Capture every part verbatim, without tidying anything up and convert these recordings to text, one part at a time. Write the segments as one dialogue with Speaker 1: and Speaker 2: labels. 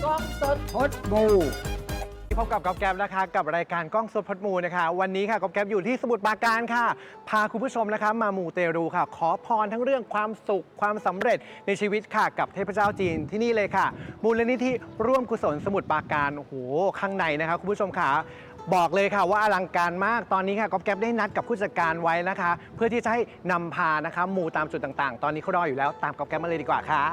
Speaker 1: กล้องสดพดมูพบกับก๊อฟแก๊ปนะคะกับรายการกล้องสดพดมูนะคะวันนี้ค่ะก๊อฟแก๊ปอยู่ที่สมุทรปราการค่ะพาคุณผู้ชมนะคะมามูเตรูค่ะขอพรทั้งเรื่องความสุขความสำเร็จในชีวิตค่ะกับเทพเจ้าจีนที่นี่เลยค่ะมูลนิธิร่วมกุศลสมุทรปราการโอ้โหข้างในนะคะคุณผู้ชมค่ะบอกเลยค่ะว่าอลังการมากตอนนี้ค่ะก๊อฟแก๊ปได้นัดกับผู้จัดการไว้นะคะเพื่อที่จะให้นำพานะคะมูตามจุดต่างๆตอนนี้เขารออยู่แล้วตามก๊อฟแก๊ปมาเลยดีกว่าค่ะ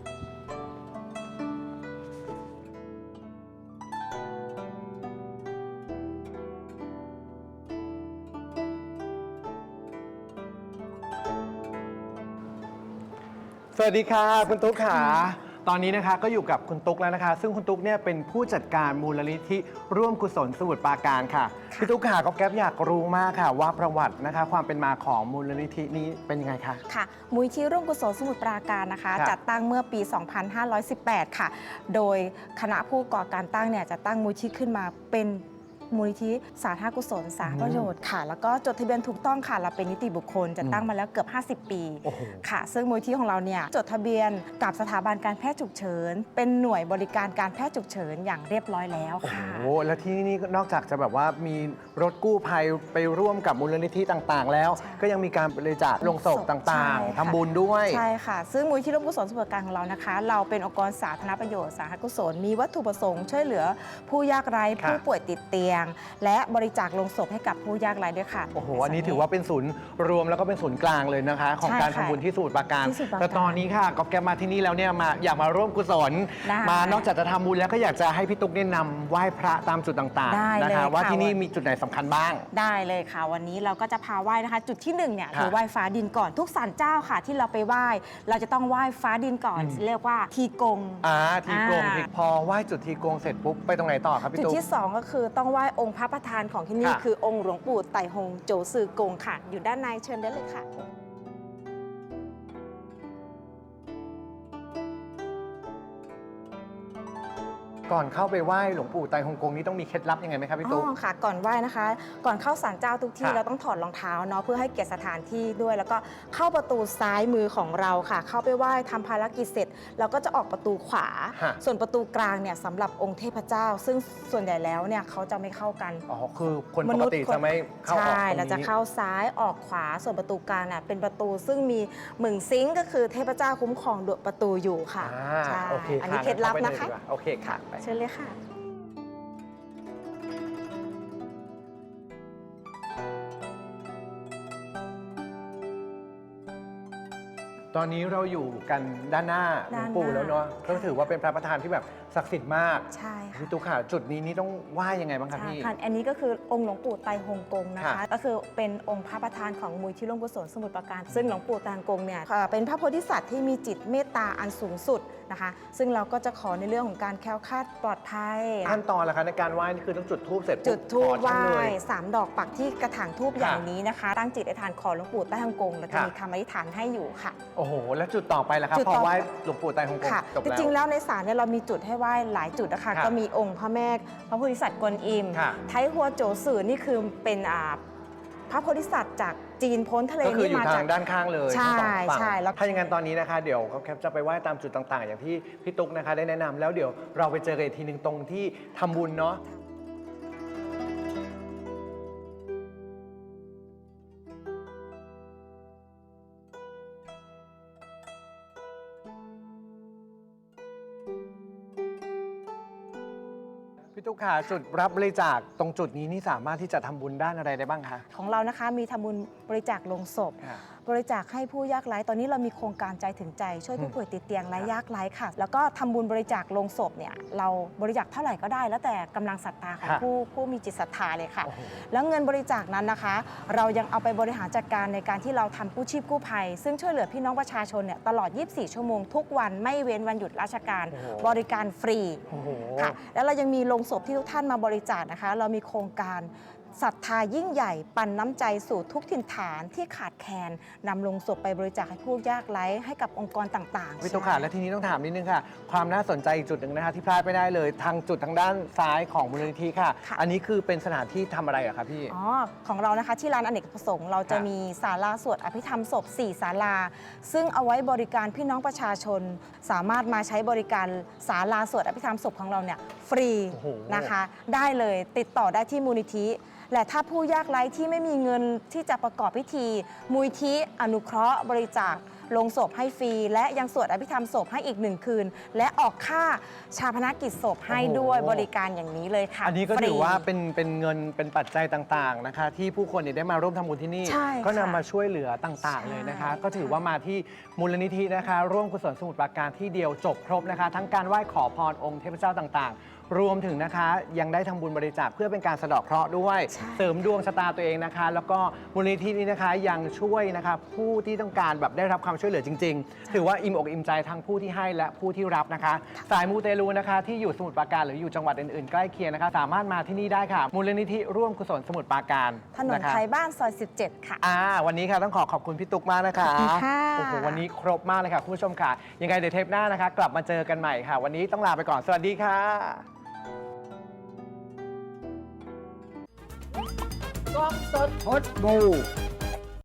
Speaker 1: สวัสดีค่ะคุณตุ๊กค่ะตอนนี้นะคะก็อยู่กับคุณตุ๊กแล้วนะคะซึ่งคุณตุ๊กเนี่ยเป็นผู้จัดการมูลนิธิร่วมกุศลสมุทรปราการค่ะพี่ตุ๊กค่ะก็แก๊ปอยากรู้มากค่ะว่าประวัตินะคะความเป็นมาของมูลนิธินี้เป็นยังไงคะ
Speaker 2: ค่ะมูลนิธิร่วมกุศลสมุทรปราการนะคะจัดตั้งเมื่อปี สองพันห้าร้อยสิบแปด ค่ะโดยคณะผู้ก่อการตั้งเนี่ยจะตั้งมูลนิธิขึ้นมาเป็นมูลนิธิสาธารณกุศลสาธารณประโยชน์ค่ะแล้วก็จดทะเบียนถูกต้องค่ะเราเป็นนิติบุคคลจะตั้งมาแล้วเกือบห้าสิบปีค่ะซึ่งมูลนิธิของเราเนี่ยจดทะเบียนกับสถาบันการแพทย์ฉุกเฉินเป็นหน่วยบริการการแพทย์ฉุกเฉินอย่างเรียบร้อยแล้วค่ะ
Speaker 1: โอ้แล้วที่นี่นอกจากจะแบบว่ามีรถกู้ภัยไปร่วมกับมูลนิธิต่างๆแล้วก็ยังมีการบริจาคลงศพต่างๆทำบุญด้วย
Speaker 2: ใช่ค่ะซึ่งมูลนิธิร่วมกุศลสมุทรปราการของเรานะคะเราเป็นองค์กรสาธารณประโยชน์สาธารณกุศลมีวัตถุประสงค์ช่วยเหลือผู้ยากไร้ผู้ป่วยติดเตียงและบริจาคลงศพให้กับผู้ยากไร้ด้วยค่ะ
Speaker 1: โอ้โหอันนี้ถือว่าเป็นศูนย์รวมแล้วก็เป็นศูนย์กลางเลยนะคะของการทำบุญที่สมุทรปราการแต่ตอนนี้ค่ะก๊อฟแก๊ปมาที่นี่แล้วเนี่ยมาอยากมาร่วมกุศลมานอกจากจะทำบุญแล้วก็อยากจะให้พี่ตุ๊กเนี่ยนำไหว้พระตามจุดต่างๆนะคะว่าที่นี่มีจุดไหนสำคัญบ้าง
Speaker 2: ได้เลยค่ะวันนี้เราก็จะพาไหว้นะคะจุดที่หนึ่งเนี่ยคือไหว้ฟ้าดินก่อนทุกศาลเจ้าค่ะที่เราไปไหว้เราจะต้องไหว้ฟ้าดินก่อนเรียกว่าทีกง
Speaker 1: อ่าทีกงพอไหว้จุดทีกงเสร็จปุ๊บไปตรงไหนต่อครับพี่ตุ๊ก
Speaker 2: จุดที่สองก็คือต้องไหว้องค์พระประธานของที่นี่คือองค์หลวงปู่ไต่หงโจซือกงค่ะอยู่ด้านในเชิญได้เลยค่ะ
Speaker 1: ก่อนเข้าไปไหว้หลวงปู่ไตรฮงกงนี้ต้องมีเคล็ดลับยังไงไหมครับพี่ตุ๊ก
Speaker 2: อ๋อค่ะก่อนไหว้นะคะ ก่อนเข้าศาลเจ้าทุกที่เราต้องถอดรองเท้าเนาะเพื่อให้เกียรติสถานที่ด้วยแล้วก็เข้าประตูซ้ายมือของเราค่ะเข้าไปไหว้ทำภารกิจเสร็จเราก็จะออกประตูขวาส่วนประตูกลางเนี่ยสำหรับองค์เทพเจ้า ซึ่งส่วนใหญ่แล้วเนี่ยเขาจะไม่เข้ากัน
Speaker 1: อ๋อคือคนปกติจะไม่เข้าออกตรงนี้
Speaker 2: ใช่เราจะเข้าซ้ายออกขวาส่วนประตูกลางเนี่ยเป็นประตูซึ่งมีหมึงซิงก็คือเทพเจ้าคุ้มครองดวงประตูอยู่ค่ะ
Speaker 1: ใช่
Speaker 2: อันนี้เคล็ดลับนะคะ
Speaker 1: โอเคค่ะ
Speaker 2: เชิญเลยค่ะ
Speaker 1: ตอนนี้เราอยู่กันด้านหน้าหลวงปู่แล้วเนาะก็ถือว่าเป็นพระประธานที่แบบศักดิ์สิทธิ์มาก
Speaker 2: ใช่ค่ะ
Speaker 1: พี่ตุ๊กค่ะจุดนี้นี่ต้องไหว้ยังไงบ้างครับพี่
Speaker 2: ค่ะอันนี้ก็คือองค์หลวงปู่ไตรฮงกงนะคะก็คือเป็นองค์พระประธานของมูลที่ร่วมกุศลสมุทรปราการซึ่งหลวงปู่ไตรฮงกงเนี่ยเป็นพระโพธิสัตว์ที่มีจิตเมตตาอันสูงสุดนะคะซึ่งเราก็จะขอในเรื่องของการแคล้วคลาดปลอดภัย
Speaker 1: ขั้นตอนละคะในการไหว้นี่คือต้องจุดธูปเสร็จ
Speaker 2: จุดธูปไหว้สามดอกปักที่กระถางธูปอย่างนี้นะคะตั้งจิตอธิษฐานขอหลวงปู่ไตรฮงกงแล้วจะมีคำอธิษฐานให้อยู่ค่ะ
Speaker 1: โอ้โหแล้วจุดต่อไปล่ะครับพอไหว้หลวงปู่ไตรฮงกงจบแล้ว
Speaker 2: จริงๆแล้วในศาลเนี่ยเรามีจุดให้ไหว้หลายจุดนะคะก็มีองค์พระแม่พระโพธิสัตว์กวนอิมไทหัวโจซือนี่คือเป็นพระโพธิสัตว์จากจีนพ้นทะเล
Speaker 1: นี่มาจากด้านข้างเลย
Speaker 2: ใช่ใช่
Speaker 1: แล้วถ้าอย่างนั้นตอนนี้นะคะเดี๋ยวเขาแคปจะไปไหว้ตามจุดต่างๆอย่างที่พี่ตุ๊กนะคะได้แนะนำแล้วเดี๋ยวเราไปเจอกันอีกทีหนึ่งตรงที่ทำบุญเนาะพี่ตุ๊กค่ะจุดรับบริจาคตรงจุดนี้นี่สามารถที่จะทำบุญด้านอะไรได้บ้างคะ
Speaker 2: ของเรานะคะมีทำบุญบริจาคลงศพบริจาคให้ผู้ยากไร้ตอนนี้เรามีโครงการใจถึงใจช่วยผู้ป่วยติดเตียงและยากไร้ค่ะแล้วก็ทำบุญบริจาคลงศพเนี่ยเราบริจาคเท่าไหร่ก็ได้แล้วแต่กำลังศรัทธาของผู้ผู้มีจิตศรัทธาเลยค่ะแล้วเงินบริจาคนั้นนะคะเรายังเอาไปบริหารจัดการในการที่เราทำกู้ชีพกู้ภัยซึ่งช่วยเหลือพี่น้องประชาชนเนี่ยตลอดยี่สิบสี่ชั่วโมงทุกวันไม่เว้นวันหยุดราชการบริการฟรีค่ะแล้วเรายังมีโรงศพที่ทุกท่านมาบริจาคนะคะเรามีโครงการศรัทธายิ่งใหญ่ปันน้ำใจสู่ทุกถิ่นฐานที่ขาดแคลนนำลงศพไปบริจาคให้ผู้ยากไร้ให้กับองค์กรต่างๆ
Speaker 1: พี่ตุ๊กค่ะและทีนี้ต้องถามนิดนึงค่ะ ความน่าสนใจอีกจุดหนึ่งนะคะที่พลาดไม่ได้เลยทางจุดทางด้านซ้ายของมูลนิธิค่ะ
Speaker 2: ค่ะ
Speaker 1: อันนี้คือเป็นสถานที่ทำอะไรอะคะพี่
Speaker 2: อ๋อของเรานะคะที่ร้านอเนกประสงค์เราจะ
Speaker 1: ค่ะ
Speaker 2: มีศาลาสวดอภิธรรมศพสี่ศาลา ซึ่งเอาไว้บริการพี่น้องประชาชน สามารถมาใช้บริการศาลาสวดอภิธรรมศพของเราเนี่ยฟรี
Speaker 1: โอ้โห
Speaker 2: นะคะ ได้เลยติดต่อได้ที่มูลนิธิ และถ้าผู้ยากไร้ที่ไม่มีเงินที่จะประกอบพิธี มูลนิธิอนุเคราะห์บริจาคลงศพให้ฟรี และยังสวดอภิธรรมศพให้อีกหนึ่งคืน และออกค่าชาพนกิจศพให้ด้วยบริการอย่างนี้เลยค่ะ
Speaker 1: อันนี้ก็
Speaker 2: ฟรี
Speaker 1: ถือว่าเป็นเป็นเงินเป็นปัจจัยต่างๆนะคะ ที่ผู้คนเนี่ยได้มาร่วมทำบุญที่นี่
Speaker 2: ใช่
Speaker 1: ก็นำ
Speaker 2: ค่ะ
Speaker 1: มาช่วยเหลือต่างๆ
Speaker 2: ใช่
Speaker 1: เลยนะคะ ก็ถือว่ามาที่มูลนิธินะคะ ร่วมกุศลสมุทรปราการที่เดียวจบครบนะคะ ทั้งการไหว้ขอพรองค์เทพเจ้าต่างๆ รวมถึงนะคะยังได้ทำบุญบริจาคเพื่อเป็นการสะเดาะเคราะห์ด้วย
Speaker 2: ใช่
Speaker 1: เสริมดวงชะตาตัวเองนะคะ แล้วก็มูลนิธินี้นะคะยังช่วยนะคะผู้ที่ต้องการแบบได้รับความช่วยเหลือจริง ๆ ถือว่าอิ่มอกอิ่มใจทั้งผู้ที่ให้และผู้ที่รับนะคะ สายมูเตลูนะคะที่อยู่สมุทรปราการหรืออยู่จังหวัดอื่นๆใกล้เคียงนะคะ สามารถมาที่นี่ได้ค่ะ มูลนิธิร่วมกุศลสมุทรปราการ
Speaker 2: ถนน
Speaker 1: นะคะ
Speaker 2: ไทยบ้านซอย สิบเจ็ด ค่ะ
Speaker 1: อ่าวันนี้ค่ะต้องขอขอบคุณพี่ตุ๊กมากนะคะ
Speaker 2: ขอบคุณค่ะ
Speaker 1: โอ้โหวันนี้ครบมากเลยค่ะคุณผู้ชมค่ะ ยังไงเดี๋ยวเทปหน้านะคะ กลับมาเจอกันใหม่ค่ะ วันนี้ต้องลาไปก่อนสวัสดีค่ะ
Speaker 3: กล้องสดพดบู